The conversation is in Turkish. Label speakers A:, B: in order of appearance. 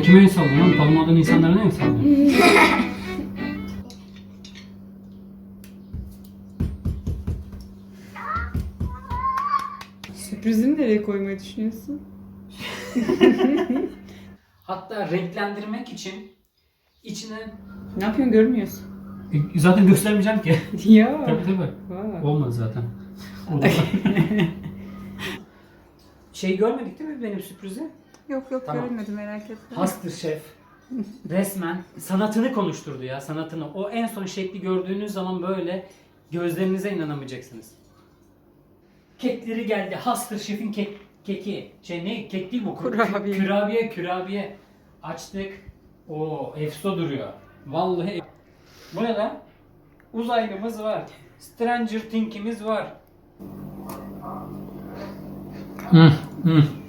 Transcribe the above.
A: Sen kime el sallıyorsun oğlum? Tanımadığın insanlara ne el sallıyorsun?
B: Sürprizini nereye koymayı düşünüyorsun?
A: Hatta renklendirmek için içine...
B: Ne yapıyorsun görmüyorsun.
A: Zaten göstermeyeceğim ki.
B: Ya.
A: Tabii.
B: Vay.
A: Olmadı zaten. Şey görmedik değil mi benim sürprizi?
B: Yok
A: Tamam.
B: görmedim merak etme.
A: Hastır şef. Resmen sanatını konuşturdu ya, sanatını. O en son şekli gördüğünüz zaman böyle gözlerinize inanamayacaksınız. Kekleri geldi. Hastır şefin keki. Ne? Kek değil bu.
B: Kurabiye.
A: Kürabiye. Açtık. Oo, efso duruyor. Vallahi. Bu ne lan? Uzaylımız var. Stranger Things'imiz var.